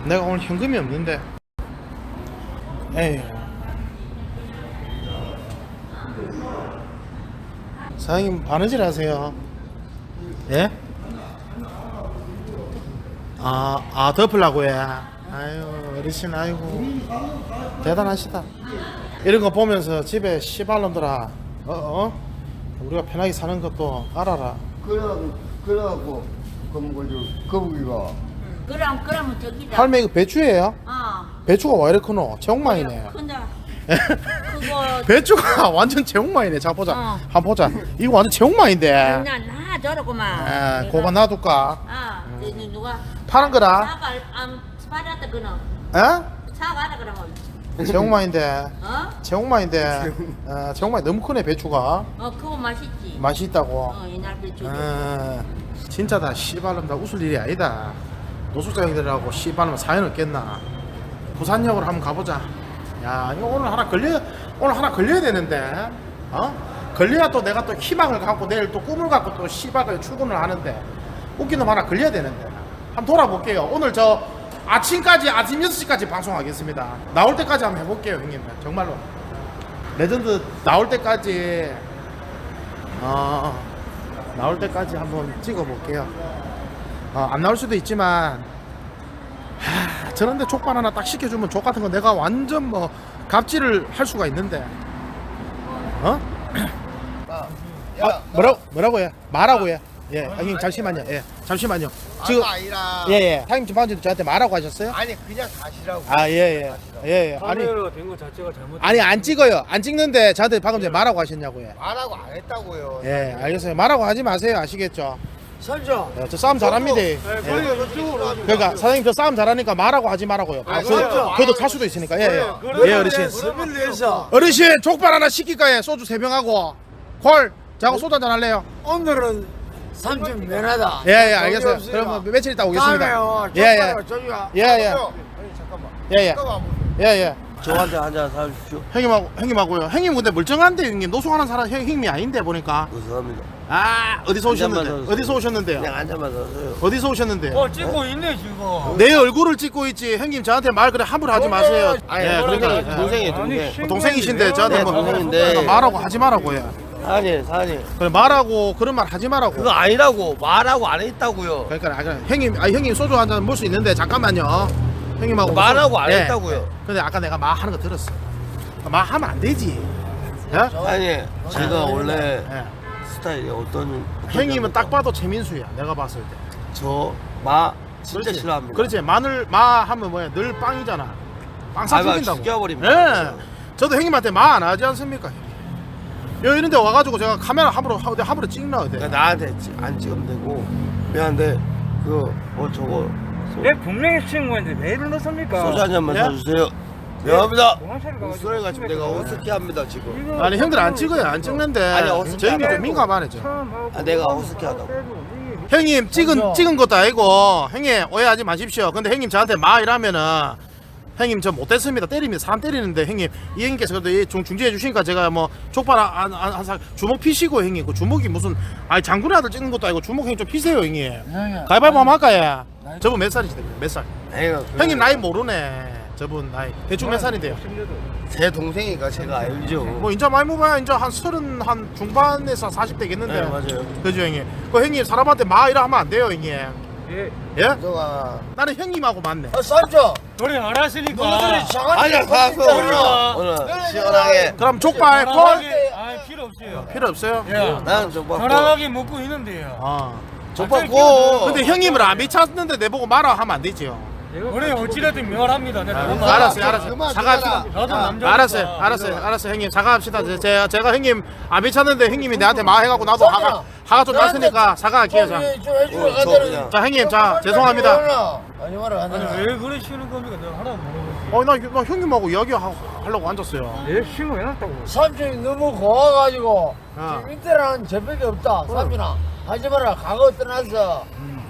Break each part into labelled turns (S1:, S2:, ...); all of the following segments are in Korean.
S1: 내가 오늘 현금이 없는데. 에이. 사장님 바느질 하세요? 예? 덮으려고 해. 아유, 어르신, 아이고. 대단하시다. 이런 거 보면서 집에 씨발놈들아, 우리가 편하게 사는 것도 알아라.
S2: 그래갖고, 거북이가.
S3: 그러면 저기다.
S1: 할매 이거 배추예요? 배추가 왜 이렇게 크노? 제옥마이네.
S3: 큰다. 그거
S1: 배추가 완전 제옥마이네. 자 보자. 한번 보자. 이거 완전 제옥마인데.
S3: 그냥 나 저러고만.
S1: 고가 놔둘까?
S3: 누가
S1: 파는 거라?
S3: 사과 안 팔았다 그는. 사과하라 그러면.
S1: 제옥마인데. 제옥마인데. 제옥마이 너무 크네 배추가.
S3: 그거 맛있지.
S1: 맛이 있다고.
S3: 옛날 배추.
S1: 진짜 다 씨발놈 다 웃을 일이 아니다. 노숙자 형들하고 씨발놈 사연 없겠나. 부산역으로 한번 가보자. 야, 이거 오늘 하나 걸려야 되는데. 걸려야 또 내가 또 희망을 갖고 내일 또 꿈을 갖고 또 씨발을 출근을 하는데 웃긴 놈 하나 걸려야 되는데. 한번 돌아볼게요. 오늘 저 아침 6시까지 방송하겠습니다. 나올 때까지 한번 해볼게요, 형님. 정말로. 레전드 나올 때까지 한번 찍어볼게요. 안 나올 수도 있지만 저런데 족발 하나 딱 시켜주면 족 같은 거 내가 완전 뭐 갑질을 할 수가 있는데. 뭐라고 해? 말하고 해. 예, 형님 잠시만요. 예, 잠시만요. 지금
S2: 아니라.
S1: 예. 타임 방금 저한테 말하고 하셨어요?
S2: 아니, 그냥 가시라고.
S1: 예. 아니,
S4: 카메라가 된 거 자체가 잘못.
S1: 아니 안 찍어요. 안 찍는데 저한테 방금 전에 말하고 하셨냐고요.
S2: 말하고 안 했다고요.
S1: 예, 알겠어요. 말하고 하지 마세요. 아시겠죠?
S4: 선조.
S1: 예, 저 싸움 잘합니다. 예. 그러니까 사장님 저 싸움 잘하니까 말하고 하지 말라고요. 그래도 탈 수도 있으니까. 예, 어르신.
S4: 서민을 위해서
S1: 어르신 족발 하나 시킬까요? 소주 3병하고 콜. 자고 소주 한잔 할래요?
S4: 오늘은 삼촌 면하다.
S1: 예, 알겠어요. 그럼 며칠 있다 오겠습니다. 예.
S2: 저한테 한잔 사주십시오.
S1: 형님하고요. 형님 근데 멀쩡한데 형님 노숙하는 사람 형님이 아닌데 보니까.
S2: 감사합니다.
S1: 어디서
S2: 한 잔만
S1: 오셨는데?
S2: 더
S1: 어디서 오셨는데요?
S2: 그냥 한 잔만 사세요.
S1: 어디서 오셨는데요?
S4: 찍고 있네 지금.
S1: 내 얼굴을 찍고 있지. 형님 저한테 말 그래 함부로 하지 마세요.
S2: 아니,
S1: 예, 그러니까
S2: 동생이에요,
S4: 아니,
S2: 동생.
S1: 동생이신데 저한테
S2: 네,
S1: 뭐
S2: 동생인데.
S1: 그러니까 말하고 하지 말라고요.
S2: 사장님.
S1: 그래 말하고 그런 말 하지 말라고.
S2: 그거 아니라고. 말하고 안 했다고요.
S1: 그러니까 형님 소주 한 잔 먹을 수 있는데 잠깐만요. 형님하고
S2: 말하고 안
S1: 예.
S2: 했다고요.
S1: 근데 아까 내가 말하는 거 들었어. 말하면 안 되지. 예?
S2: 아니, 제가 원래
S1: 예.
S2: 스타일이 어떤
S1: 형님은 딱 봐도 최민수야. 내가 봤을 때.
S2: 마 진짜
S1: 그렇지.
S2: 싫어합니다.
S1: 그렇지. 마 하면 뭐야? 늘 빵이잖아. 빵 사주긴다고.
S2: 죽여버립니다.
S1: 예. 저도 형님한테 말 안 하지 않습니까? 여기 이런데 와가지고 제가 카메라 함부로 찍나 어때?
S2: 그러니까 나한테 안 찍으면 되고 미안한데 저거
S4: 내 분명히 친구인데 왜 이러십니까?
S2: 소주 한 잔만
S1: 예?
S2: 사주세요. 미안합니다.
S4: 동안살이 가가지고
S2: 목소리가 지금 내가 어색해 합니다 지금.
S1: 아니 형들 안 찍어요. 안 찍는데.
S2: 아니, 어색해
S1: 저 형님 좀
S2: 하고.
S1: 민감하네 저.
S2: 내가 어색해하다고.
S1: 형님 찍은 것도 아니고 형님 오해하지 마십시오. 근데 형님 저한테 마 이러면은 형님 저 못됐습니다. 때립니다. 사람 때리는데 형님 이 형님께서 그래도 중지해 주시니까 제가 뭐 족발 한 주먹 피시고 형님 그 주먹이 무슨 장군의 아들 찍는 것도 아니고 주먹 형님 좀 피세요 형님. 가위바위보 한번 할까요? 저분 몇 살이시대? 몇 살? 형님 나이 모르네. 저분 나이 대충 몇 살인데요?
S2: 제 동생이니까 제가 알죠.
S1: 뭐 인자 많이 먹어야 인자 한 30 한 중반에서 40 되겠는데.
S2: 네, 맞아요.
S1: 그죠 형님? 그 형님 사람한테 마 이라 하면 안 돼요 형님.
S4: 예.
S1: 예?
S2: 너가
S1: 나는 형님하고 맞네.
S2: 쌈죠.
S4: 노래 안 하시니까.
S2: 아니야 가서 오늘 시원하게.
S1: 그럼 족발 콜
S4: 필요 없어요.
S1: 필요 없어요?
S4: 예.
S2: 나는 족발
S4: 편안하게 먹고 있는데요.
S2: 족발
S4: 고.
S2: 고.
S1: 근데 형님을 안 미쳤는데 내보고 말아 하면 안 되지요.
S4: 우리 어찌됐든 멸합니다. 내가
S1: 알았어요. 사과합시다.
S4: 나도 남자.
S1: 알았어요. 형님 사과합시다. 제가 형님 안 미쳤는데 형님이 내한테 말해갖고 나도 화가 좀 났으니까 사과할게요. 자 형님 자 죄송합니다.
S2: 아니 말아.
S4: 아니 왜 그러시는 겁니까? 내가 하나 물어보지.
S1: 나 형님하고 이야기하려고 앉았어요.
S4: 내 신고 해놨다고.
S5: 삼촌이 너무 고와가지고
S1: 아.
S5: 지금 이때랑 제백이 없다. 삼촌아 하지 마라. 과거 떠나서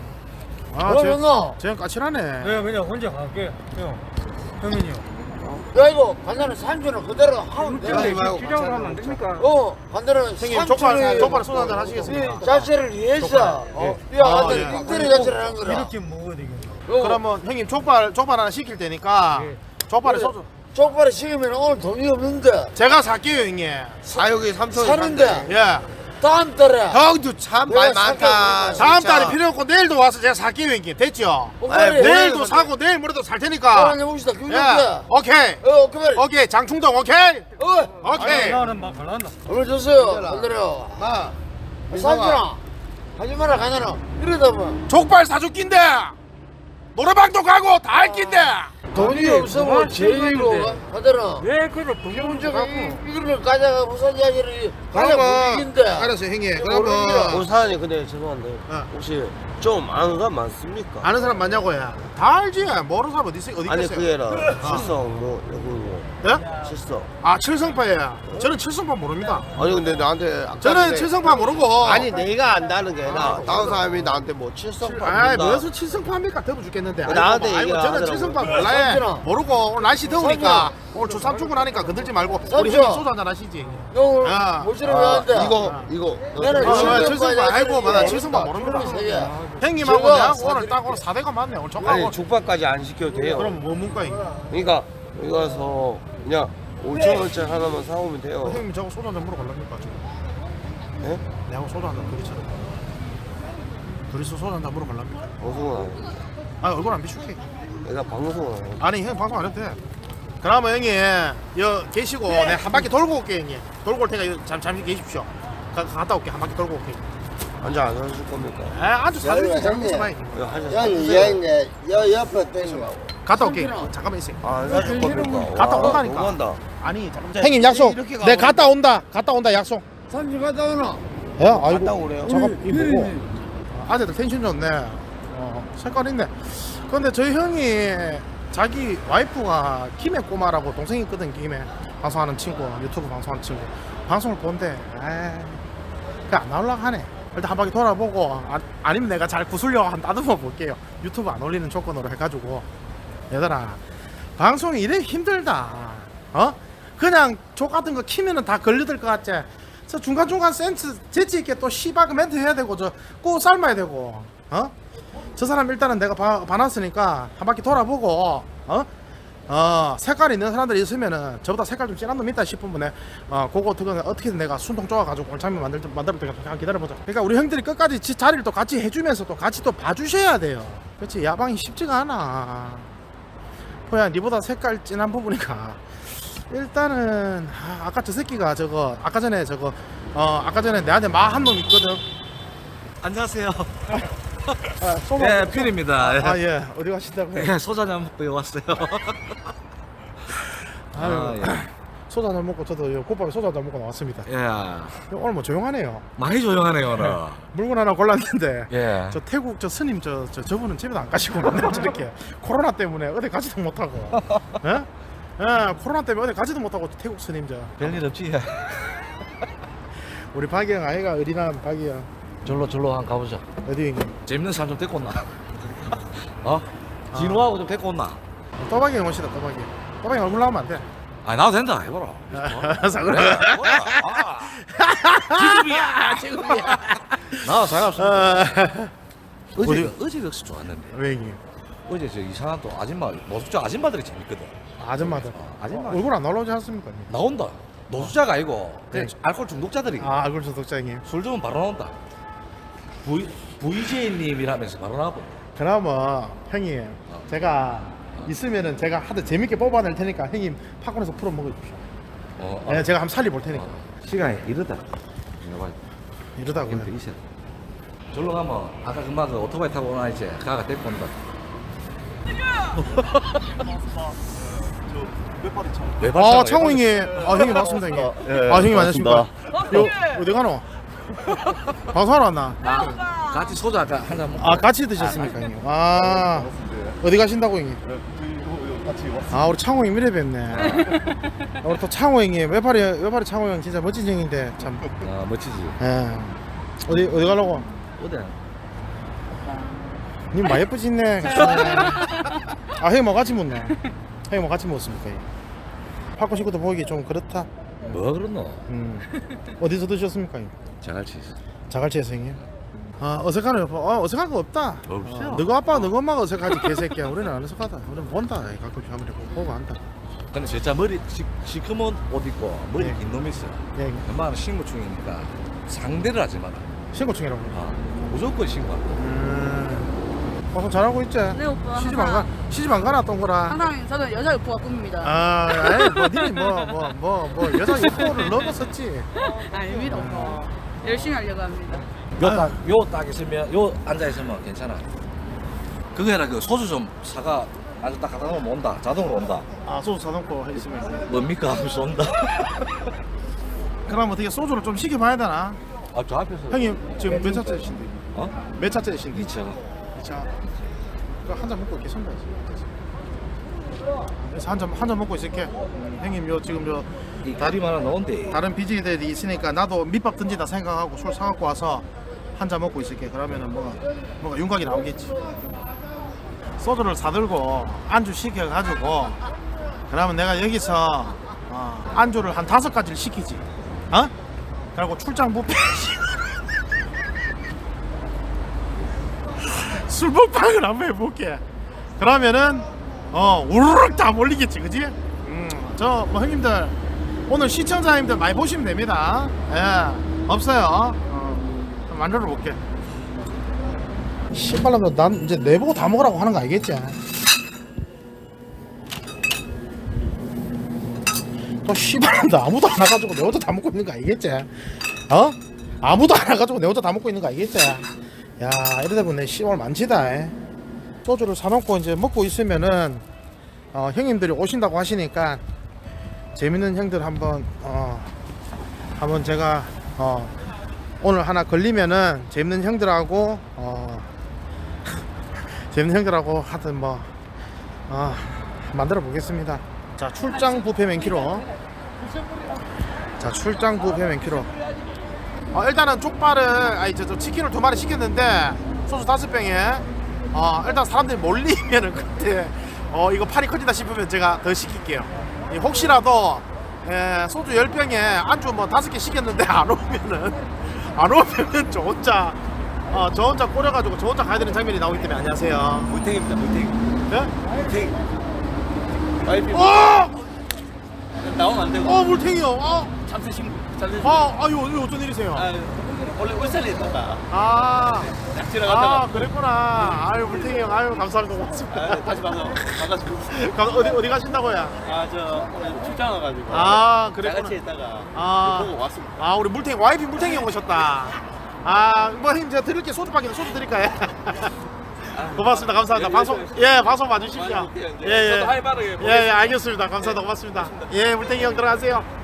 S5: 그러면
S1: 쟤는 까칠하네.
S4: 내가 그냥 혼자 갈게. 형. 형민이 형.
S5: 그리고 반대는 삼촌을 그대로 하면 돼.
S4: 주장을 하면 안 됩니까?
S5: 반대는
S1: 형님
S5: 삼촌이
S1: 족발 소주 한잔 하시겠습니까?
S5: 이 자체를 위해서
S1: 예.
S5: 한테 인터넷 자체를 하는 거라.
S4: 이렇게 먹어야 되겠네.
S1: 그러면 형님 족발 하나 시킬 테니까 족발에
S5: 그래.
S1: 소주
S5: 쪽발에 식으면 오늘 돈이 없는데
S1: 제가 살게요 형님.
S2: 사육이 3천
S5: 사는데
S1: 예.
S5: 다음 달에
S2: 형도 참 말
S5: 내가
S2: 많다.
S1: 다음
S2: 진짜.
S1: 달에 필요 없고 내일도 와서 제가 살게요 형님. 됐죠?
S5: 오케이.
S1: 내일도
S2: 뭘
S1: 사고 내일 모레도 살 테니까.
S5: 오늘 해봅시다.
S1: 예.
S5: 그게
S1: 오케이.
S5: 오케이.
S1: 오케이 장충동 오케이. 오케이.
S4: 나는 막 갈란다.
S5: 오늘 줬어요. 반대로.
S2: 마.
S5: 삼촌아 하지 마라 가냐나 이러다 봐.
S1: 족발 사줄 낀데 노래방도 가고 다 할 낀데.
S5: 돈이 없으면
S4: 그만
S5: 제일로
S4: 생각인데.
S5: 하더라.
S4: 왜 그걸 돈이
S5: 문제가
S4: 갖고?
S5: 이거를 가져가 부산 이야기를 가져 분위기인데.
S1: 알았어요 형님.
S5: 모르는
S1: 그러면
S2: 오사장님 근데 죄송한데
S1: 어.
S2: 혹시 좀 아는 사람 많습니까?
S1: 아는 사람 많냐고요? 다 알지. 모르는 사람 어디 있어? 어디
S2: 아니
S1: 있겠어요?
S2: 그게 아니라 칠성 뭐 여기 뭐
S1: 예?
S2: 칠성.
S1: 아 칠성파예요. 저는 칠성파 모릅니다.
S2: 아니 근데 나한테 아까
S1: 저는
S2: 전에-
S1: 칠성파 모르고.
S2: 아니 내가 안다는 게 아니라 다른 사람이 나한테 뭐 칠성파
S1: 아이
S2: 모른다.
S1: 무슨 칠성파입니까? 더워 죽겠는데.
S2: 나한테
S1: 아이고,
S2: 얘기를
S1: 저는
S2: 하더라고.
S1: 칠성파 몰라요.
S5: 삼촌아.
S1: 모르고 오늘 날씨 더우니까 오늘 주삼 출근하니까 건들지 말고 우리
S5: 삼촌.
S1: 형님 소주 한잔 하시지.
S5: 너
S1: 아.
S5: 모시러 가는데.
S2: 이거
S5: 나는
S1: 어,
S5: 칠성파
S1: 칠성파
S5: 이야기를
S1: 아이고 맞아
S5: 모른다.
S1: 칠성파 모릅니다.
S5: 그런 세 개.
S1: 형님하고
S5: 제가
S1: 내가 오늘
S5: 사드릴게요.
S1: 딱 오늘 4대가 맞네. 오늘 족하고.
S2: 아니 족발까지 안 시켜도 돼요.
S1: 그럼 뭐 문과이?
S2: 그러니까 여기 가서 그냥 5,000원짜리 하나만 사오면 돼요.
S1: 형님 저거 소주 한잔 물어 갈랍니까 지금?
S2: 예?
S1: 내하고 소주 한잔 둘이처럼. 둘이서 소주 한잔 물어 갈랍니까?
S2: 방송은 안 해요.
S1: 아 얼굴 안 비출게.
S2: 내가 방송은 안 해요.
S1: 아니 형 방송 안 해도 돼. 그러면 형님 여 계시고 내가 한 바퀴 돌고 올게 형님. 돌고 올 테니까 잠시 계십시오. 갔다 올게. 한 바퀴 돌고 올게.
S2: 앉아 안 해줄 겁니까?
S1: 아 아주 사드리지
S5: 형님.
S1: 잘못해서 많이.
S2: 이거 하자.
S5: 여기 옆에 땡겨.
S1: 갔다 올게.
S5: 삼촌아.
S1: 잠깐만 있어.
S2: 안 해줄 겁니까?
S1: 갔다
S2: 와,
S1: 온다니까.
S2: 너무한다.
S1: 아니 잠깐만. 형님 약속.
S2: 이렇게
S1: 내 갔다 온다. 갔다 온다 약속.
S5: 삼촌 갔다 오나?
S1: 예? 아이고.
S2: 갔다 오래요.
S1: 잠깐 이 뭐고? 아재들 텐션 좋네. 색깔 있네. 근데 저희 형이 자기 와이프가 김해 꼬마라고 동생이 있거든. 김해 방송하는 친구, 유튜브 방송하는 친구. 방송을 보는데 그안 나오려고 하네. 일단 한 바퀴 돌아보고 아니면 내가 잘 구슬려 한 다듬어 볼게요. 유튜브 안 올리는 조건으로 해가지고. 얘들아 방송이 이래 힘들다. 그냥 족 같은 거 키면은 다 걸려들 것 같지. 저 중간중간 센스 재치 있게 또 씨발 멘트 해야 되고 저 꼭 삶아야 되고. 저 사람 일단은 내가 봐놨으니까 한 바퀴 돌아보고 색깔 있는 사람들이 있으면은 저보다 색깔 좀 진한 놈 있다 싶으면 그거 어떻게든 내가 순통 쪼아가지고 골참미 만들 때까지 잠깐 기다려보자. 그러니까 우리 형들이 끝까지 지 자리를 또 같이 해주면서 또 같이 또 봐주셔야 돼요. 그렇지 야방이 쉽지가 않아. 뭐야 니보다 색깔 진한 부분이니까 일단은 아까 저 새끼가 저거 아까 전에 내한테 말 한 놈 있거든.
S6: 안녕하세요.
S1: 소주
S6: 예, 필입니다.
S1: 예 어디 가신다고요?
S6: 예, 소주 한잔 먹고 왔어요.
S1: 아유,
S6: 예.
S1: 소주 한잔 먹고 저도 곱밥에 소주 한잔 먹고 나왔습니다.
S6: 예,
S1: 오늘 뭐 조용하네요.
S6: 많이 조용하네요 오늘.
S1: 물건 하나 골랐는데
S6: 예.
S1: 저 태국 저 스님 저분은 집에도 안 가시고 맨날 저렇게 코로나 때문에 어디 가지도 못하고 예? 예, 코로나 때문에 어디 가지도 못하고 태국 스님
S6: 별일 없지.
S1: 우리 박이형 아이가 어린한 박이형
S6: 절로 한번 가보자.
S1: 어디 있니?
S6: 재밌는 사람 좀 데리고 온나? 진호하고 좀 데리고 온나?
S1: 또박이형 오시다 또박이형 얼굴 나오면 안 돼.
S6: 아, 나도 된다. 해봐라.
S1: 그래.
S6: 지금이야. 나 상관없어. 어제 역시 좋았는데.
S1: 왜 형님?
S6: 어제 저 이상한 또 아줌마, 노숙자 아줌마들이 재밌거든.
S1: 아줌마들
S6: 아줌마.
S1: 얼굴 안 나오지 않습니까? 형님?
S6: 나온다. 노숙자가 아니고 그냥
S1: 네.
S6: 알코올 중독자들이.
S1: 얼굴 소독자 형님.
S6: 술 주면 바로 나온다. VJ님이라면서 바로 나와보.
S1: 그나마 형님 제가 있으면은 제가 하도 재밌게 뽑아낼 테니까 형님 팝콘에서 풀어 먹어주십시오. 네, 제가 한번 살려볼 테니까.
S6: 시간이 이르다.
S1: 이러다고요.
S6: 힘들 있어. 절로 가면 아까 금방 그 오토바이 타고 오나 이제 가가 데리고 온다.
S1: 창호 형님. 형님 맞습니다 형님. 형님 안녕하십니까. 요 어디 가노? 방송하러 왔나?
S6: 같이 소주 아까 한잔 먹고.
S1: 같이 드셨습니까 형님? 어디 가신다고 형님? 우리 창호 형님 이래 뵙네. 우리 또 창호 형님 외파리 창호 형 진짜 멋진 형인데 참.
S6: 멋지지.
S1: 예. 어디 가려고?
S6: 어디?
S1: 님 많이 예쁘시네. 형님 뭐 같이 묻네. 형님 뭐 같이 묻습니까? 팝콘 식구도 보기 좀 그렇다.
S6: 뭐 그렇노?
S1: 어디서 드셨습니까? 형님?
S6: 자갈치 있어.
S1: 자갈치에서 형님. 어색하네. 어색한 거 없다.
S6: 없어요.
S1: 너가 아빠, 너가 엄마가 어색하지 개새끼야. 우리는 안 어색하다. 우리는 본다. 가끔 아무리 보고 한다.
S6: 근데 진짜 머리 시커먼 옷 입고 머리
S1: 네.
S6: 긴 놈이 있어.
S1: 예,
S6: 엄마는 신고충이니까 상대를 하지 마라.
S1: 신고충이라고.
S6: 무조건 신고한다.
S1: 방송 잘하고 있지?
S7: 네, 오빠.
S1: 시집 안 가나 동거라.
S7: 항상 저는 여자 유포가 꿈입니다.
S1: 아이 뭐 니니 뭐 여자 유포를 넘었었지.
S7: 아닙니다, 오빠. 열심히 하려고 합니다.
S6: 요딱 있으면 요 앉아 있으면 괜찮아. 그게 아니라 그 소주 좀 사가 아주 딱 갖다 놓으면 온다. 자동으로 온다.
S1: 아 소주 사놓고 있으면.
S6: 뭡니까 하면서 온다.
S1: 그럼 어떻게 소주를 좀 시켜봐야 되나?
S6: 저 앞에서
S1: 형님 지금 몇 차째이신데?
S6: 어?
S1: 몇 차째이신데?
S6: 2차.
S1: 2차. 한잔 먹고 이렇게 손 봐야지. 그래서 한잔 먹고 있을게. 형님 요 지금 요
S6: 이 다리 하나 넣은데.
S1: 다른 BJ들이 있으니까 나도 밑밥 던지다 생각하고 술 사갖고 와서 한잔 먹고 있을게. 그러면은 뭐가 윤곽이 나오겠지. 소주를 사들고 안주 시켜가지고 그러면 내가 여기서 안주를 한 5가지를 시키지. 그리고 출장 뷔페 술 먹방을 한번 해볼게. 그러면은 우르륵 다 몰리겠지, 그지? 저 뭐 형님들 오늘 시청자님들 많이 보시면 됩니다. 예, 없어요. 만들어 볼게. 신발람도 난 이제 내보고 다 먹으라고 하는 거 알겠지? 또 신발람도 아무도 안 와가지고 내 혼자 다 먹고 있는 거 알겠지? 아무도 안 와가지고 내 혼자 다 먹고 있는 거 알겠지? 야, 이러다 보니 씨발 많지다. 소주를 사놓고 이제 먹고 있으면은 형님들이 오신다고 하시니까 재밌는 형들 한번 제가 오늘 하나 걸리면은 재밌는 형들하고 하여튼 만들어 보겠습니다. 자, 출장 뷔페 맨키로. 자, 출장 뷔페 맨키로. 일단은 족발을 저 치킨을 2마리 시켰는데 소주 5병에 일단 사람들이 몰리면은 그때 이거 팔이 커진다 싶으면 제가 더 시킬게요. 혹시라도 소주 10병에 안주 뭐 5개 시켰는데 안 오면은 저 혼자 꼬려가지고 저 혼자 가야 되는 장면이 나오기 때문에. 안녕하세요.
S4: 물탱입니다, 물탱.
S1: 네?
S4: 물탱. 와이프 나오면 안 되고.
S1: 물탱이요.
S4: 참새 신고. 참새 신고.
S1: 이거 어떤 일이세요?
S4: 원래 울산에 있다가 낙지를
S1: 아,
S4: 갔다가
S1: 그랬구나. 물탱이 형, 감사합니다. 고맙습니다.
S4: 다시 봐서 반갑습니다.
S1: 어디 가신다고요?
S4: 저 오늘 출장 와가지고
S1: 그랬구나.
S4: 같이 있다가 보고 왔습니다.
S1: 우리 와이프 물탱이 형 오셨다. 뭐 형님 제가 드릴게. 소주 드릴까요? 고맙습니다. 감사합니다. 방송 봐주십시오.
S4: 저도 하이 바르게
S1: 알겠습니다. 감사합니다. 고맙습니다. 물탱이 형 들어가세요.